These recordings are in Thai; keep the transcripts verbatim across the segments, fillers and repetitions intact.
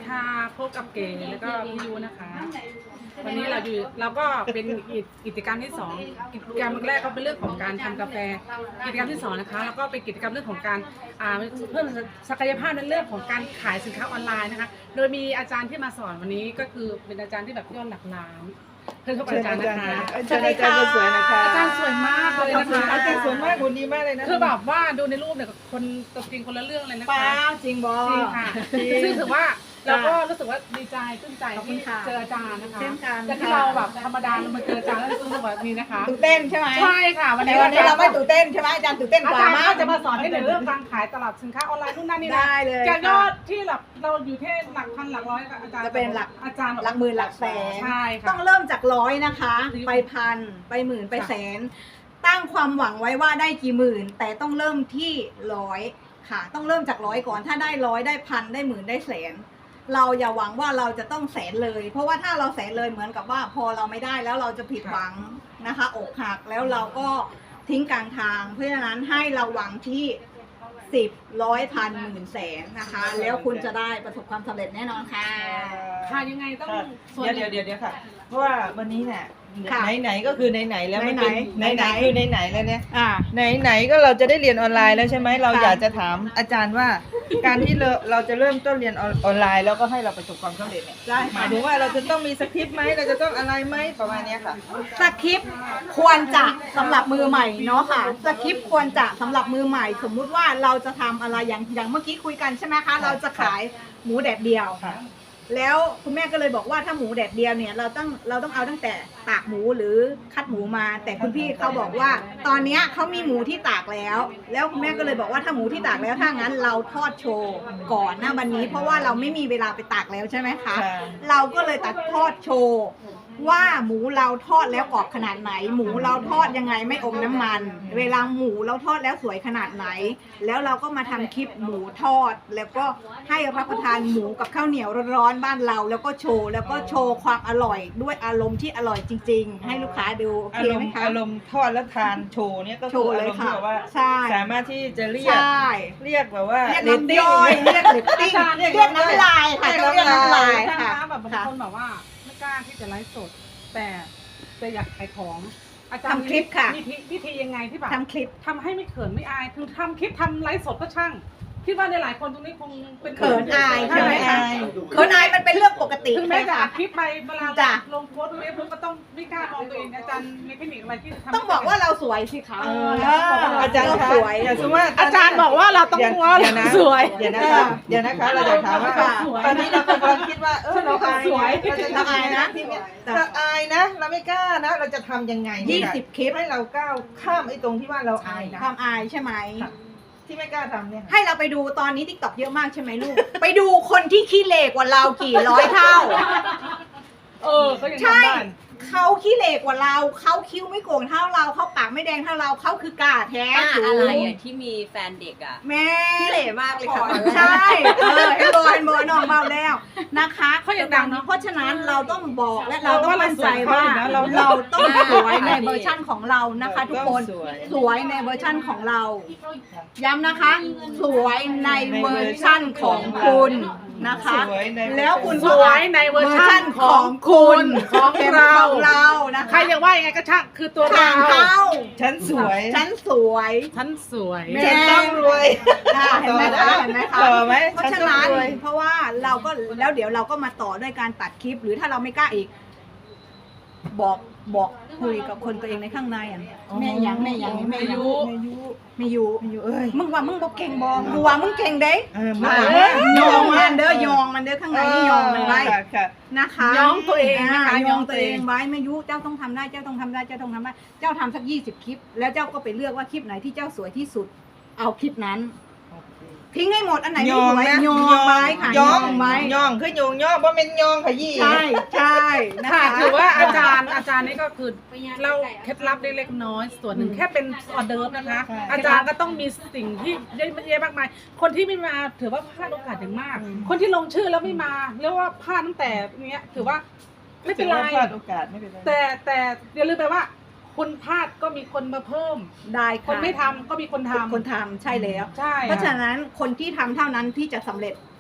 ค่ะพบกับเก๋แล้วก็พี่ยูนะคะวันนี้เราอยู่เราก็เป็นกิจกรรมที่สองกิจกรรมแรกก็เป็นเรื่องของการทำกาแฟกิจกรรมที่สองนะคะแล้วก็เป็นกิจกรรมเรื่องของการเพิ่มศักยภาพในเรื่องของการขายสินค้าออนไลน์นะคะโดยมีอาจารย์ที่มาสอนวันนี้ก็คือเป็นอาจารย์ที่แบบยอดหลักล้านเพื่อนเขาอาจารย์นะคะอาจารย์อาจารย์สวยนะคะอาจารย์สวยมากเลยนะคะอาจารย์สวยมากหุ่นดีมากเลยนะคือแบบว่าดูในรูปเนี่ยคนตัวจริงคนละเรื่องเลยนะคะป้าจริงบอจริงค่ะซึ่งถือว่าเราก็รู้สึกว่าดีใจขึ้นใจที่เจออาจารย์นะคะแต่ที่เราแบบธรรมดาเรามาเจออาจารย์แล้วรู้สึกว่านี้นะคะตื่นเต้นใช่ไหมใช่ค่ะวันนี้วันนี้เราไม่ตื่นเต้นใช่ไหมอาจารย์ตื่นเต้นกว่ามาจะมาสอนให้ในเรื่องการขายตลาดสินค้าออนไลน์นู่นนั่นนี่ได้เลยจากยอดที่แบบเราอยู่ที่หลักพันหลักร้อยอาจารย์จะเป็นหลักอาจารย์หลักหมื่นหลักแสนใช่ค่ะต้องเริ่มจากร้อยนะคะไปพันไปหมื่นไปแสนตั้งความหวังไว้ว่าได้กี่หมื่นแต่ต้องเริ่มที่ร้อยค่ะต้องเริ่มจากร้อยก่อนถ้าได้ร้อยได้พันได้หมื่นได้แสนเราอย่าหวังว่าเราจะต้องแสนเลยเพราะว่าถ้าเราแสนเลยเหมือนกับว่าพอเราไม่ได้แล้วเราจะผิดหวังนะคะอกหักแล้วเราก็ทิ้งกลางทางเพราะฉะนั้นให้เราหวังที่สิบร้อยพันหมื่นแสนนะคะแล้วคุณจะได้ประสบความสำเร็จแน่นอนค่ะค่ะยังไงต้องเดี๋ยวเดี๋ยวเดี๋ยวค่ะเพราะว่าวันนี้เนี่ยไหนไหนก็คือไหนไหนแล้วไม่เป็นไหนไหนคือไหนไหนแล้วเนี่ยไหนไหนก็เราจะได้เรียนออนไลน์แล้วใช่ไหมเราอยากจะถามอาจารย์ว่าการที่เราเราจะเริ่มต้นเรียนออนไลน์แล้วก็ให้เราประสบความสำเร็จเนี่ยหมายถึงว่าเราจะต้องมีสคริปต์ไหมเราจะต้องอะไรไหมประมาณนี้ค่ะสคริปต์ควรจะสำหรับมือใหม่เนาะค่ะสคริปต์ควรจะสำหรับมือใหม่สมมุติว่าเราจะทำอะไรอย่างอย่างเมื่อกี้คุยกันใช่ไหมคะเราจะขายหมูแดดเดียวแล้วคุณแม่ก็เลยบอกว่าถ้าหมูแดดเดียวเนี่ยเราต้องเราต้องเอาตั้งแต่ตากหมูหรือคัดหมูมาแต่คุณพี่เขาบอกว่าตอนนี้เขามีหมูที่ตากแล้วแล้วคุณแม่ก็เลยบอกว่าถ้าหมูที่ตากแล้วถ้างั้นเราทอดโชว์ก่อนนะวันนี้เพราะว่าเราไม่มีเวลาไปตากแล้วใช่ไหมคะเราก็เลยตัดทอดโชว์ว่าหมูเราทอดแล้วกรอบขนาดไหนหมูเราทอดยังไงไม่อมน้ำมันเวลาหมูเราทอดแล้วสวยขนาดไหนแล้วเราก็มาทำคลิปหมูทอดแล้วก็ให้รับประทานหมูกับข้าวเหนียวร้อนๆบ้านเราแล้วก็โชว์แล้วก็โชว์ความอร่อยด้วยอารมณ์ที่อร่อยจริงๆให้ลูกค้าดูโอเคไหมคะอารมณ์ทอดแล้วทานโชว์เนี่ยก็คืออารมณ์ที่แบบว่าสามารถที่จะเรียกเรียกแบบว่าเรียกน้ำย่อยเรียกเรตติ้งเรียกน้ำลายค่ะเรียกน้ำลายค่ะแบบบางคนแบบว่าไม่กล้าที่จะไลฟ์สดแต่แต่อยากขายของอาจารย์ทำคลิปค่ะวิธียังไงที่แบบทำคลิปทำให้ไม่เขินไม่อายคือทำคลิปทำไลฟ์สดก็ช่างคิดว่าในหลายคนตรงนี้คงเป็นเขินอายใช่ไหมคะเขินอายมันเป็นเรื่องปกติถึงแม้จะอัดคลิปไปเวลาลงโพสต์เฟซบุ๊กก็ต้องไม่กล้ามองตัวเองอาจารย์มีเทคนิคอะไรที่ทำต้องบอกว่าเราสวยสิคะอาจารย์สวยสมมติว่าอาจารย์บอกว่าเราต้องว่าสวยเดี๋ยวนะคะเดี๋ยวนะคะเราจะถามว่าตอนนี้เรากำลังคิดว่าเออเราสวยเราจะทำยังไงนะเราอายนะเราไม่กล้านะเราจะทำยังไงยี่สิบคลิปให้เราก้าวข้ามไอ้ตรงที่ว่าเราอายนะความอายใช่ไหมที่ไม่กล้าทำเนี่ยให้เราไปดูตอนนี้ ติ๊กต็อก เยอะมากใช่ไหมลูกไปดูคนที่ขี้เหร่กว่าเรากี่ร้อยเท่าเออก็ยังทำได้เขาขี้เหร่กว่าเราเขาคิ้วไม่โก่งเท่าเราเขาปากไม่แดงเท่าเราเขาคือกาแท้อะไรอ่ะที่มีแฟนเด็กอ่ะแม่ขี้เหร่มากเลยค่ะใช่เออเฮโบนโบน้องเบาแล้วนะคะเขายังดังเนาะเพราะฉะนั้นเราต้องบอกและเราต้องมั่นใจว่าเราเราต้องสวยในเวอร์ชั่นของเรานะคะทุกคนสวยในเวอร์ชั่นของเราย้ำนะคะสวยในเวอร์ชั่นของคุณนะคะแล้วคุณสวยในเวอร์ชั่นของคุณของเราเรานะคะใครจะว่ายังไงก็ช่างคือตัวเราฉันสวยฉันสวยฉันสวยฉันต้องรวยเห็นไหมคะเห็นไหมคะต่อไหมเพราะฉะนั้นเพราะว่าเราก็แล้วเดี๋ยวเราก็มาต่อด้วยการตัดคลิปหรือถ้าเราไม่กล้าอีกบอกบอกคุยกับคนตัวเองในข้างในอ่ะแม่ยังแม่ยังแม่ยุแม่ยุแม่ยุเอ้ยมึงว่ามึงบอกเก่งบอกกูว่ามึงเก่งเด้มึงว่ายองมันเด้อยองมันเด้อข้างในนี่ยองมันไว้นะคะยองตัวเองนะคะยองตัวเองไว้แม่ยุเจ้าต้องทำได้เจ้าต้องทำได้เจ้าต้องทำได้เจ้าทำสักยี่สิบคลิปแล้วเจ้าก็ไปเลือกว่าคลิปไหนที่เจ้าสวยที่สุดเอาคลิปนั้นทิ้งให้หมดอันไหนไม่สวยยองไว้ค่ะยองไว้ยองคือโยงย่อเพราะเป็นยองขยี้ใช่ใช่ค่ะถือว่าอาจารย์อาจารย์นี่ก็คือเราเคล็ดลับเล็กน้อยส่วนหนึ่งแค่เป็นออเดิร์ฟนะคะอาจารย์ก็ต้องมีสิ่งที่เยอะแยะมากมายคนที่ไม่มาถือว่าพลาดโอกาสอย่างมากคนที่ลงชื่อแล้วไม่มาเรียกว่าพลาดตั้งแต่เนี้ยถือว่าไม่เป็นไรพลาดโอกาสไม่เป็นไรแต่แต่อย่าลืมไปว่าคนพลาดก็มีคนมาเพิ่มได้คนไม่ทำก็มีคนทำคนทำใช่แล้วใช่เพราะฉะนั้นคนที่ทำเท่านั้นที่จะสำเร็จ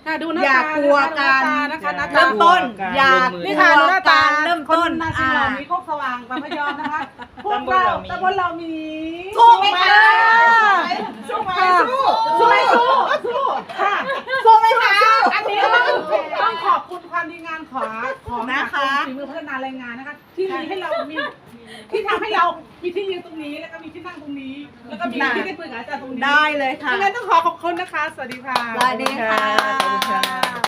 ค่ะดูหน้าอย่าตากลัวกันนะคะหน้าตาเริ่มต้นการอย่าลงมือนี่ค่ะดูหน้าตาเริ่มต้นคนาซีอ่าเรามีโคกสว่างบางพยอมนะคะพวกเราตำบลเรามีสู้ไหมคะสู้ไหมสู้สู้ไหมสู้สู้ค่ะสู้ไหมคะอันนี้ต้องต้องขอบคุณความดีงามของของนะคะฝีมือพัฒนาแรงงานนะคะ ที่มีให้เรามีที่ทำให้เรามีที่ยืนตรงนี้แล้วก็มีที่นั่งตรงนี้ แล้วก็มีที่ได้คุยกับอาจารย์ตรงนี้ได้เลยค่ะดังนั้นต้องขอขอบคุณนะคะ สวัสดีค่ะสวัสดีค่ะสวัสดีค่ะ